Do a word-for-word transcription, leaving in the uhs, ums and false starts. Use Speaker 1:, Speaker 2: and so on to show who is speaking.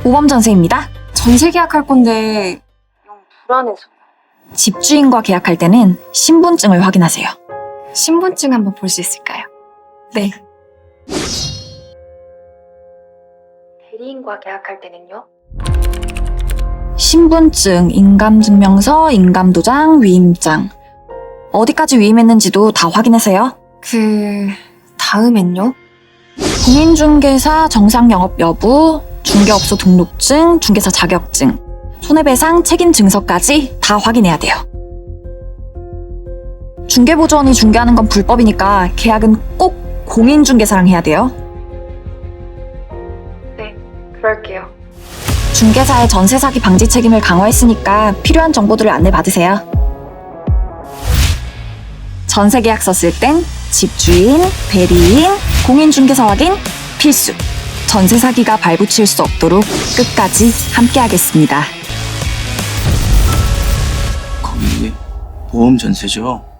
Speaker 1: 모범 전세입니다.
Speaker 2: 전세 계약할 건데 영 불안해서.
Speaker 1: 집주인과 계약할 때는 신분증을 확인하세요.
Speaker 2: 신분증 한번 볼 수 있을까요?
Speaker 1: 네.
Speaker 2: 대리인과 계약할 때는요?
Speaker 1: 신분증, 인감증명서, 인감도장, 위임장. 어디까지 위임했는지도 다 확인하세요.
Speaker 2: 그... 다음엔요?
Speaker 1: 공인중개사 정상 영업 여부, 중개업소 등록증, 중개사 자격증, 손해배상 책임 증서까지 다 확인해야 돼요. 중개보조원이 중개하는 건 불법이니까 계약은 꼭 공인중개사랑 해야 돼요.
Speaker 2: 네, 그럴게요.
Speaker 1: 중개사의 전세 사기 방지 책임을 강화했으니까 필요한 정보들을 안내받으세요. 전세 계약서 쓸 땐 집주인, 대리인, 공인중개사 확인 필수. 전세 사기가 발붙일 수 없도록 끝까지 함께하겠습니다.
Speaker 3: 거기 보험 전세죠?